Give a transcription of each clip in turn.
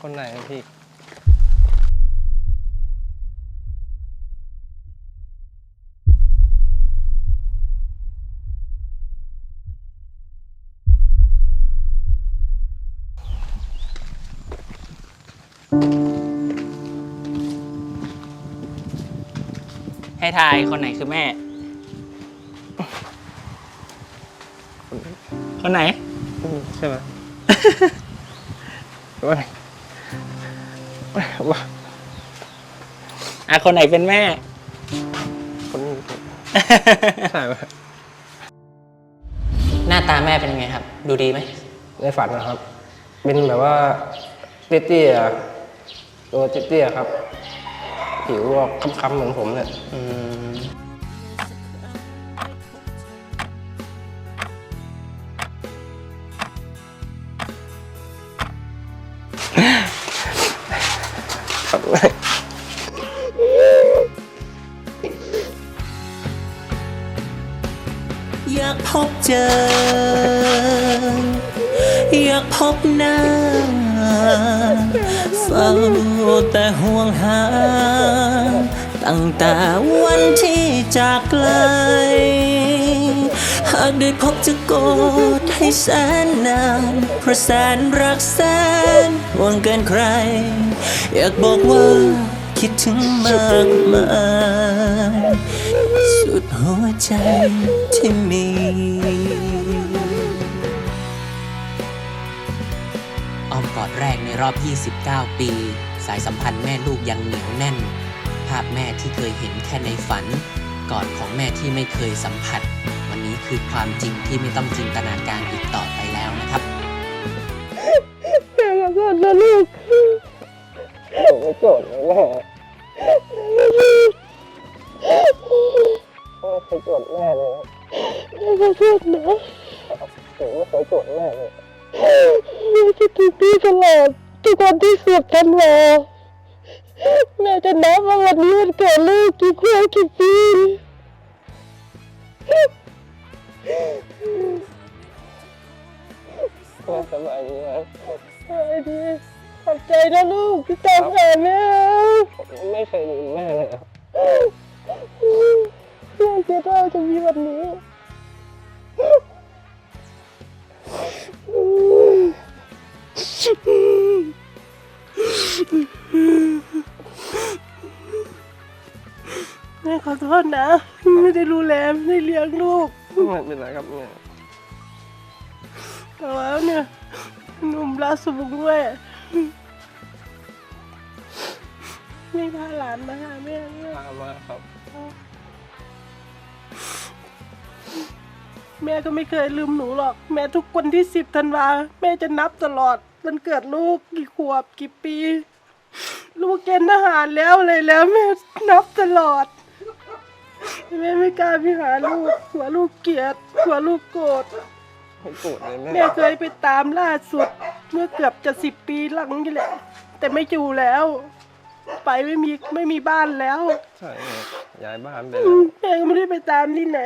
คนไหนพี่ให้ทายคนไหนคือแม่ คนไหนใช่ไหมว่าคนไหนเป็นแม่คนใช่ไหมหน้าตาแม่เป็นยังไงครับ ดูดีไหมในฝันนะครับ เป็นแบบว่าเตี้ยๆตัวเตี้ยๆครับผิวออกค้ำๆเหมือนผมเนี่ยอยากพบเจอ อยากพบหน้าเฝ้าแต่ห่วงหาตั้งแต่วันที่จากไกลหากได้พบจะกอดให้แสนนานเพราะแสนรักแสนห่วงเกินใครอยากบอกว่าคิดถึงมากมายสุดหัวใจที่มีอ้อมกอดแรกในรอบ 29 ปี สายสัมพันธ์แม่ลูกยังเหนียวแน่น ภาพแม่ที่เคยเห็นแค่ในฝัน กอดของแม่ที่ไม่เคยสัมผัส วันนี้คือความจริงที่ไม่ต้องจินตนาการอีกต่อไปแล้วนะครับแม่ขอโทษนะลูกผมไม่โกรธนะแม่ไม่เคยโกรธแม่เลยแม่ขอโทษนะผมไม่เคยโกรธแม่เลยแม่จะถูกพี่ตลอดทุกวันที่สุดทันวาแม่จะนับว่าวันนี้มันเกิดลูกกี่ขวบกี่ปีแม่สบายดีไหมสบายดีขอบใจนะลูกที่ตามหาแม่ไม่เคยลืมแม่เลยแม่เสียดายจะมีวันนี้แม่ขอโทษนะไม่ได้ดูแลไม่ได้เลี้ยงลูกไม่เป็นไรครับแม่แต่ว่าเนี่ยหนุ่มราชบุงด้วยไม่พาหลานมาหาแม่พามาครับแม่ก็ไม่เคยลืมหนูหรอกแม่ทุกวันที่10 ธันวาแม่จะนับตลอดวันเกิดลูกกี่ขวบกี่ปีลูกเกณฑ์ทหารแล้วอะไรแล้วแม่นับตลอดแม่ไม่กล้าไปหาลูกกลัวลูกเกลียดกลัวลูกโกรธแม่เคยไปตามล่าสุดเมื่อเกือบจะ10 ปีหลังนี่แหละแต่ไม่อยู่แล้วไปไม่มีบ้านแล้วใช่ย้ายบ้านไปแล้วแม่ก็ไม่ได้ไปตามที่ไหน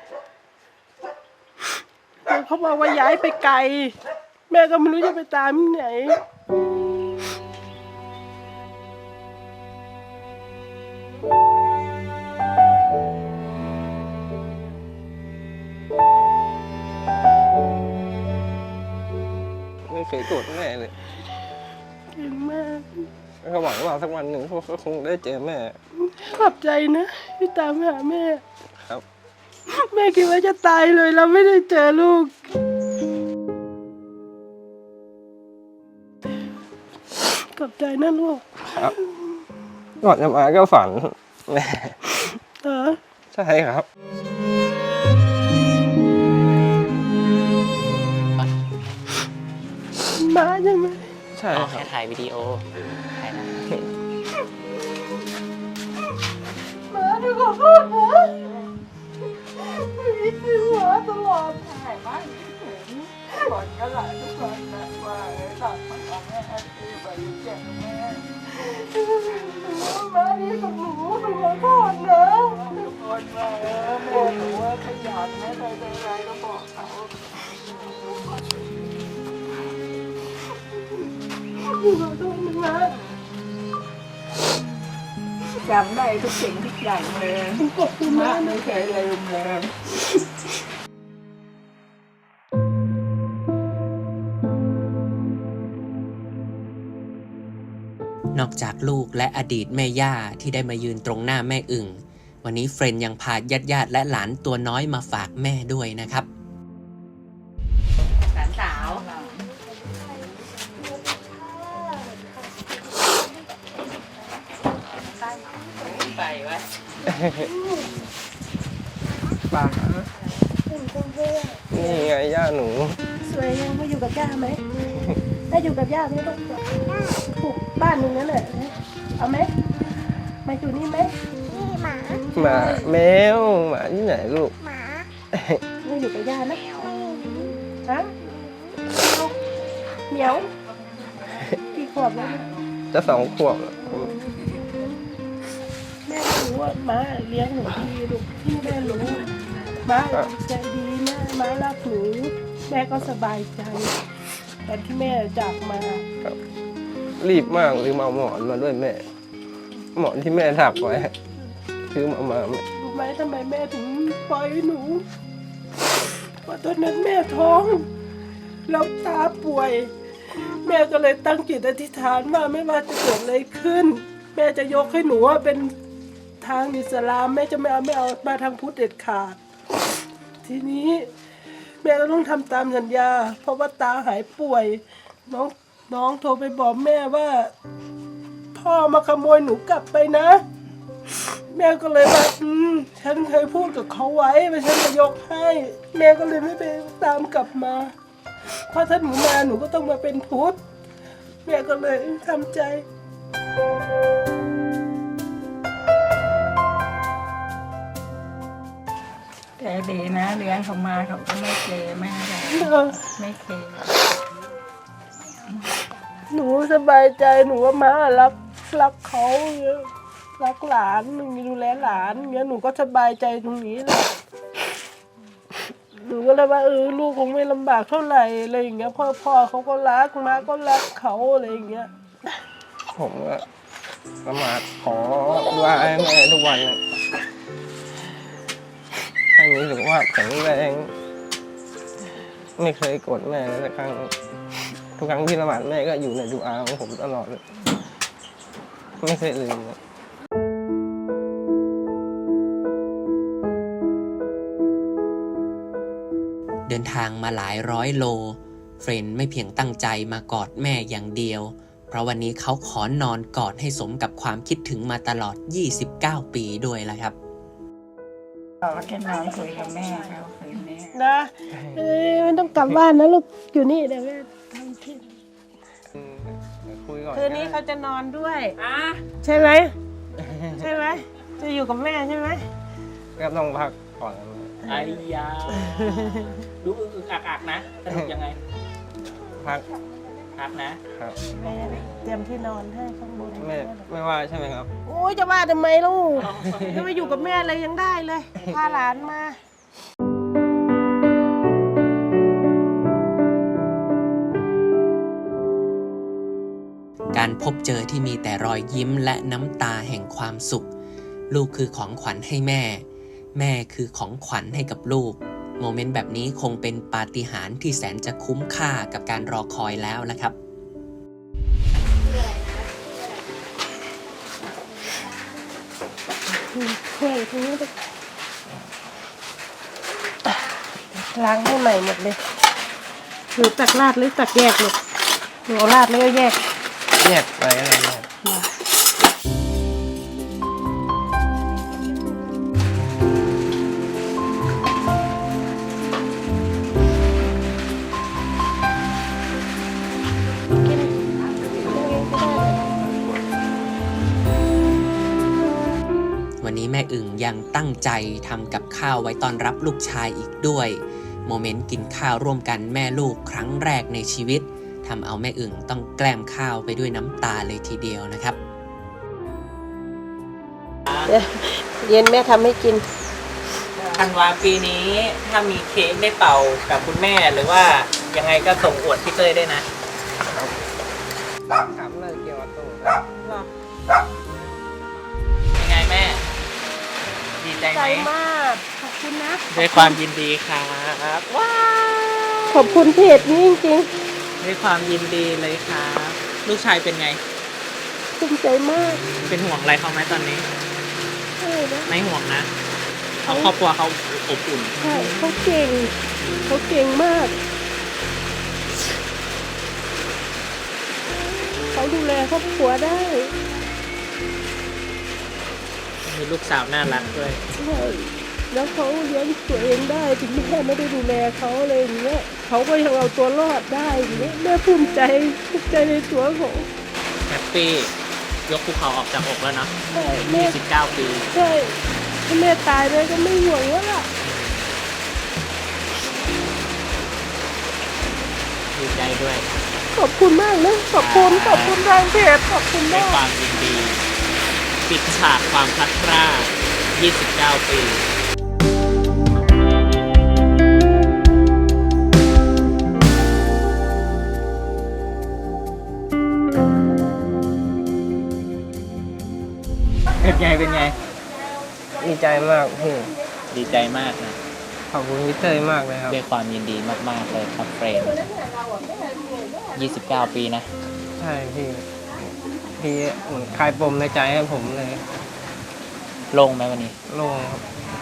เขาบอกว่าย้ายไปไกลแม่ก็ไม่รู้จะไปตามที่ไหนไม่เคยโกรธแม่เลยเก่งมากเขาหวังว่าสักวันหนึ่งเขาคงได้เจอแม่ขอบใจนะที่ตามหาแม่ครับแม่คิดว่าจะตายเลยแล้วไม่ได้เจอลูกขอบใจนะลูกครับก่อนจะมาก็ฝันแม่ใช่ครับมาใช่ไหมใช่แค่ถ่ายวิดีโอถ่ายนะมาดูขอโทษนะมีที่หัวตลอดถ่ายมากก่อนก็หลายทุกคนนะว่าตัดมันเอาแม่ที่ไปแจ้งแม่มาดีกับหนูขอโทษนะทุกคนมาแม่หนูว่าขยันแม่ใจร้ายก็บอกเขาขอโทษมาจำได้ทุกสิ่งทุกอย่างเลยขอบคุณมากไม่เคยลืมเลยนอกจากลูกและอดีตแม่ย่าที่ได้มายืนตรงหน้าแม่อึ่งวันนี้เฟรนยังพาญาติและหลานตัวน้อยมาฝากแม่ด้วยนะครับหลานสาว ไปวะป่านี่ไงย่าหนูสวยยังมาอยู่กับย่าไหมได้อยู่กับย่าไหมลูกปลูกบ้านตรงนั้นแหละเอาไหมมาอยู่นี่ไหมหมาแมวหมาที่ไหนลูกไม่อยู่กับย่านะฮะเหมียวกี่ขวบแล้วจะ2 ขวบแล้วแม่รู้ว่าม้าเลี้ยงหนูดีลูกที่แม่รู้ม้าใจดีแม่ม้ารักหนูแม่ก็สบายใจตอนที่แม่จากมารีบมากลืมเอาหมอนมาด้วยแม่ หมอนที่แม่ถักไว้ซื้อมาแม่รู้ไหมทำไมแม่ถึงปล่อยหนูเพราะตอนนั้นแม่ท้องแล้วตาป่วย แม่ก็เลยตั้งจิตอธิษฐานว่าไม่ว่าจะเกิดอะไรขึ้น แม่จะยกให้หนูว่าเป็นทางอิสลามแม่จะไม่เอามาทางพุทธเด็ดขาด ทีนี้แม่ก็ต้องทำตามสัญญา เพราะว่าตาหายป่วย น้องโทรไปบอกแม่ว่า พ่อมาขโมยหนูกลับไปนะ แม่ก็เลยว่าฉันเคยพูดกับเขาไว้ว่าฉันจะยกให้ แม่ก็เลยไม่ไปตามกลับมาเพราะถ้าหนูมาหนูก็ต้องมาเป็นพุทธแม่ก็เลยทำใจแต่ดีนะเลี้ยงเขามาเขาก็ไม่เคแม่เลยไม่เคหนูสบายใจหนูว่าม้ารักเขารักหลานหนูดูแลหลานเงี้ยหนูก็สบายใจตรงนี้แหละหนูก็เลยว่าลูกคงไม่ลำบากเท่าไหร่อะไรอย่างเงี้ยพ่อเขาก็รักม้าก็รักเขาอะไรอย่างเงี้ยผมก็ละหมาดขอดุอาให้แม่ทุกวันเลยให้มีสุขภาพแข็งแรง ไม่เคยโกรธแม่เลยสักครั้ง ทุกครั้งที่ละหมาดแม่ก็อยู่ในดุอาของผมตลอดเลยไม่เคยลืมเลยเดินทางมาหลายร้อยโลเฟรนไม่เพียงตั้งใจมากอดแม่อย่างเดียวเพราะวันนี้เขาขอนอนกอดให้สมกับความคิดถึงมาตลอด29 ปีด้วยละครับเขาแค่นอนคุยกับแม่เขาคืนนี้นะไม่ต้องกลับบ้านนะลูกอยู่นี่เดี๋ยวแม่ทำที่คุยก่อนคืนนี้เขาจะนอนด้วยใช่ไหมใช่ไหมจะอยู่กับแม่ใช่ไหมก็ต้องพักก่อนไอ้ยาดูอึกอักนะสนุกยังไงพักพักนะครับแม่เตรียมที่นอนให้ข้างบนไม่ว่าใช่ไหมครับโอ้ยจะว่าทำไมลูกจะมาอยู่กับแม่อะไรยังได้เลยพาหลานมาการพบเจอที่มีแต่รอยยิ้มและน้ำตาแห่งความสุข ลูกคือของขวัญให้แม่ แม่คือของขวัญให้กับลูก โมเมนต์แบบนี้คงเป็นปาฏิหาริย์ที่แสนจะคุ้มค่ากับการรอคอยแล้วละครับถ้วยทีนี้ล้างให้ใหม่หมดเลยหรือตักราดหรือตักแยกลูกหนูเอาราดแล้วก็แยกแยกไปอะไรเนี่ยวันนี้แม่อึ่งยังตั้งใจทำกับข้าวไว้ต้อนรับลูกชายอีกด้วย โมเมนต์กินข้าวร่วมกันแม่ลูกครั้งแรกในชีวิตทำเอาแม่อึ่งต้องแกล้มข้าวไปด้วยน้ำตาเลยทีเดียวนะครับเย็นแม่ทำให้กินธันวาปีนี้ถ้ามีเค้กได้เป่ากับคุณแม่หรือว่ายังไงก็ส่งอวดพี่เต้ยได้นะครับเลิกเกี่ยวกับตู้ครับเหรอยังไงแม่ ดีใจใจไหมมากขอบคุณนะด้วยความยินดีครับ ว้าวขอบคุณเพจนี้จริงด้วยความยินดีเลยครับ ลูกชายเป็นไงๆภูมิใจมากเป็นห่วงอะไรเขาไหมตอนนี้ใช่นะไม่ห่วงนะเขาครอบครัวเขาอบอุ่นใช่เขาเก่งมากเขาดูแลครอบครัวได้มีลูกสาวน่ารักด้วยใช่แล้วเขาเลี้ยงตัวเองได้ถึงแม่ไม่ได้ดูแลเขาอะไรอย่างเงี้ยเขาก็ยังเอาตัวรอดได้อย่างเงี้ยแม่ภูมิใจในตัวของแฮปปี้ ยกภูเขาออกจากอกแล้วเนาะใช่แม่ 29 ปีใช่ถ้าแม่ตายแม่ก็ไม่ห่วงแล้วล่ะดีใจด้วยขอบคุณมากนะขอบคุณทางเพจขอบคุณด้วยมากความยินดี ปิดฉากความพลัดพราก29 ปี เป็นไงดีใจมากพี่ดีใจมากนะขอบคุณพี่เต้ยมากเลยครับด้วยความยินดีมาก ๆ เลยครับเฟรน29 ปีนะใช่พี่เหมือนคลายปมในใจให้ผมเลยโล่งไหมวันนี้โล่งครับ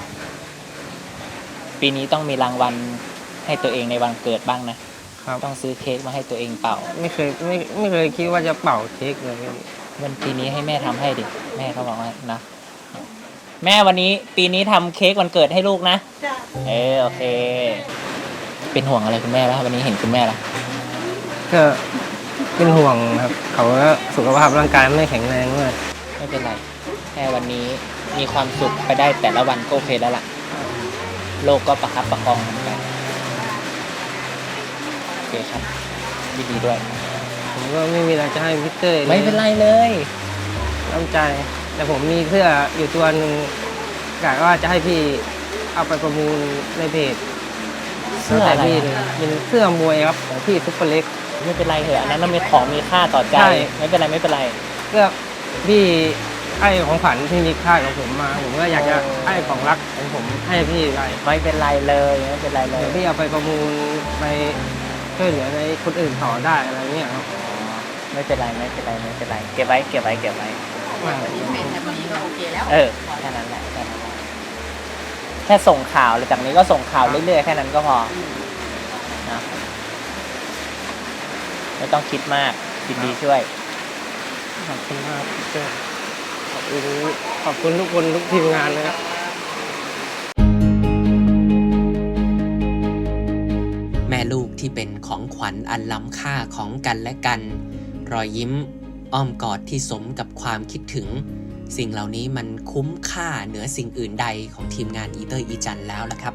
ปีนี้ต้องมีรางวัลให้ตัวเองในวันเกิดบ้างนะครับต้องซื้อเค้กมาให้ตัวเองเป่าไม่เคยคิดว่าจะเป่าเค้กเลยพี่วันปีนี้ให้แม่ทำให้ดิ แม่เขาบอกว่านะ แม่วันนี้ปีนี้ทำเค้กวันเกิดให้ลูกนะจ้ะโอเค เป็นห่วงอะไรคุณแม่แล้ววันนี้เห็นคุณแม่แล้วก็เป็นห่วงครับ เขาก็สุขภาพร่างกายไม่แข็งแรงด้วยไม่เป็นไร แค่วันนี้มีความสุขไปได้แต่ละวันก็โอเคแล้วล่ะ โลกก็ประคับประคองมันไปโอเคครับยินดีด้วยผมก็ไม่มีอะไรจะให้พี่เต้ยลยไม่เป็นไรเลยน้ำใจ แต่ผมมีเสื้ออยู่ตัวหนึ่งกะว่าจะให้พี่เอาไปประมูลในเพจเสื้ออะไรพี่อะเลยเป็นเสื้อมวยครับของพี่ซุปเปอร์เล็กไม่เป็นไรเถอะอันนั้นมันมีของมีค่าต่อใจใช่ไม่เป็นไรไม่เป็นไรเสื้อพี่ให้ของขวัญที่มีค่าของผมมา ผมก็อยากจะให้ของรักของผมให้พี่ไปไม่เป็นไรเลยไม่เป็นไรเลยเดี๋ยวพี่เอาไปประมูลไปช่วยเหลือในคนอื่นต่อได้อะไรเงี้ยครับไม่เป็นไรไม่เป็นไรไม่เป็นไรเก็บไว้เก็บไว้เก็บไว้ แค่นั้นแหละแค่นั้นแหละแค่ส่งข่าวหรือจากนี้ก็ส่งข่าวเรื่อยๆแค่นั้นก็พอนะไม่ต้องคิดมากยินดีช่วยขอบคุณมากพี่เต้ยขอบคุณทุกคนทุกทีมงานเลยครับแม่ลูกที่เป็นของขวัญอันล้ำค่าของกันและกัน รอยยิ้มอ้อมกอดที่สมกับความคิดถึง สิ่งเหล่านี้มันคุ้มค่าเหนือสิ่งอื่นใดของทีมงานอีเตอร์อีจันแล้วล่ะครับ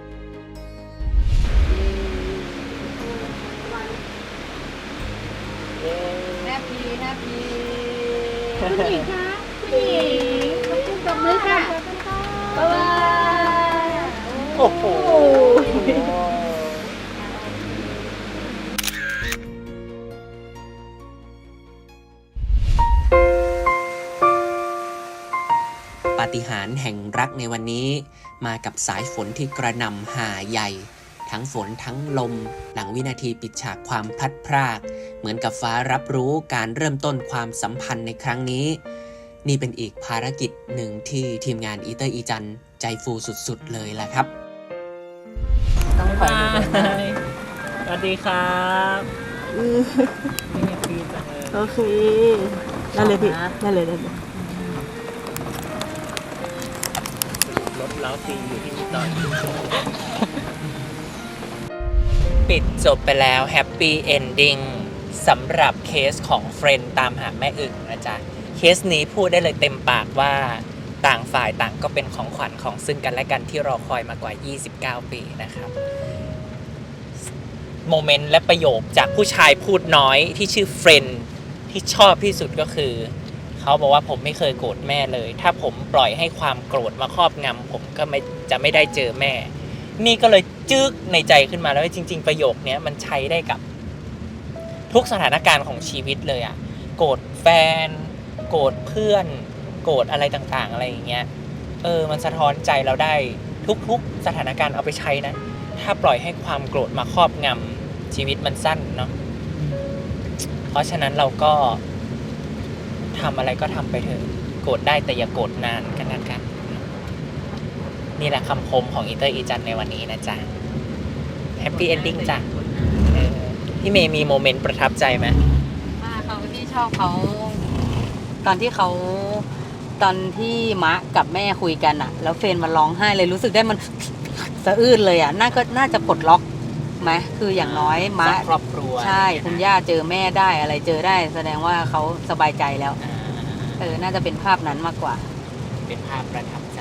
แฮปปี้คุณหญิงคะคุณหญิงขอบคุณตบมือค่ะบ๊ายบายโอ้โหปาฏิหาริย์แห่งรักในวันนี้มากับสายฝนที่กระหน่ำหาใหญ่ ทั้งฝนทั้งลมหลังวินาทีปิดฉากความพลัดพราก เหมือนกับฟ้ารับรู้การเริ่มต้นความสัมพันธ์ในครั้งนี้ นี่เป็นอีกภารกิจหนึ่งที่ทีมงานอีเตอร์อีจันใจฟูสุดๆเลยล่ะครับต้องไปสวัสดีครับไม่แฮปปี้จังเลยโอเคได้เลยพี่ได้เลยรถเล้าตีอยู่ที่นี่ตอนปิดจบไปแล้วแฮปปี้เอนดิ้งสำหรับเคสของเฟรนด์ตามหาแม่อึ่งนะจ๊ะ เคสนี้พูดได้เลยเต็มปากว่าต่างฝ่ายต่างก็เป็นของขวัญของซึ่งกันและกันที่รอคอยมากว่า 29 ปีนะครับ โมเมนต์และประโยคจากผู้ชายพูดน้อยที่ชื่อเฟรนด์ที่ชอบที่สุดก็คือ เขาบอกว่าผมไม่เคยโกรธแม่เลย ถ้าผมปล่อยให้ความโกรธมาครอบงำผมก็ไม่ได้เจอแม่ นี่ก็เลยจึ๊กในใจขึ้นมาแล้วว่าจริงๆประโยคนี้มันใช้ได้กับทุกสถานการณ์ของชีวิตเลยอะโกรธแฟนโกรธเพื่อนโกรธอะไรต่างๆอะไรอย่างเงี้ยมันสะท้อนใจเราได้ทุกๆสถานการณ์เอาไปใช้นะถ้าปล่อยให้ความโกรธมาครอบงำชีวิตมันสั้นเนาะเพราะฉะนั้นเราก็ทำอะไรก็ทำไปเถอะโกรธได้แต่อย่าโกรธนานกันแล้วกันนี่แหละคำคมของอีเตอร์อีจันในวันนี้นะจ๊ะแฮปปี้เอนดิ้งจ้ะพี่เมย์มีโมเมนต์ประทับใจไหมเขาที่ชอบเขาตอนที่มะกับแม่คุยกันอะแล้วเฟรนมันร้องไห้เลยรู้สึกได้มันสะอื้นเลยอะน่าจะปลดล็อกไหมคืออย่างน้อยมะครอบครัวใช่คุณย่าเจอแม่ได้อะไรเจอได้แสดงว่าเขาสบายใจแล้วน่าจะเป็นภาพนั้นมากกว่าเป็นภาพประทับใจ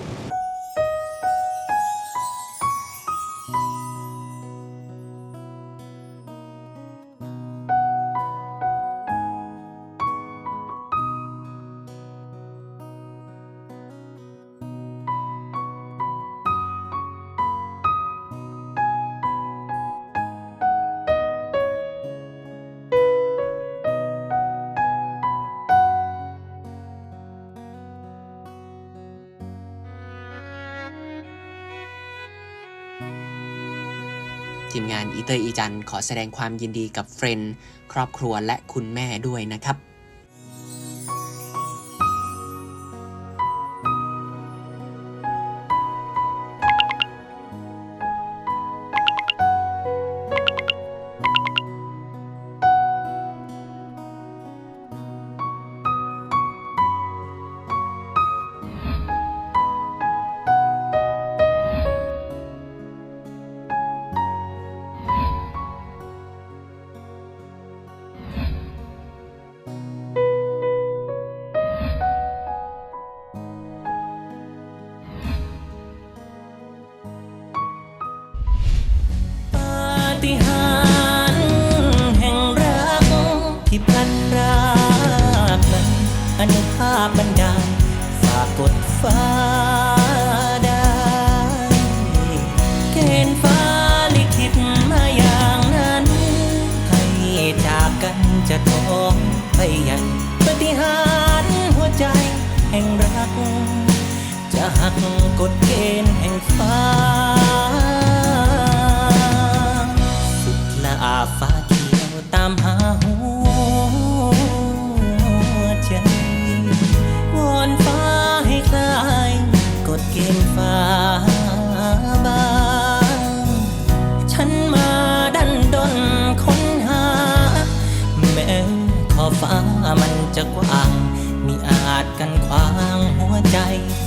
ทีมงานอีเตอร์อีจันขอแสดงความยินดีกับเฟรนด์ครอบครัวและคุณแม่ด้วยนะครับปาฏิหาริย์แห่งรักที่พลันพรากนั้นอนุภาพบันดาลฝากกดฟ้าได้เกณฑ์ฟ้าลิขิตมาอย่างนั้นให้จากกันจะท้องไปใหญ่ปาฏิหาริย์หัวใจแห่งรักจะหักกฎเกณฑ์แห่งฟ้าฟ้าเขียวตามหาหัวใจวอนฟ้าให้คลายกฎเกณฑ์ฟ้าบางฉันมาดันดนค้นหาแม้ขอบฟ้ามันจะกว้างมิอาจกันขวางหัวใจ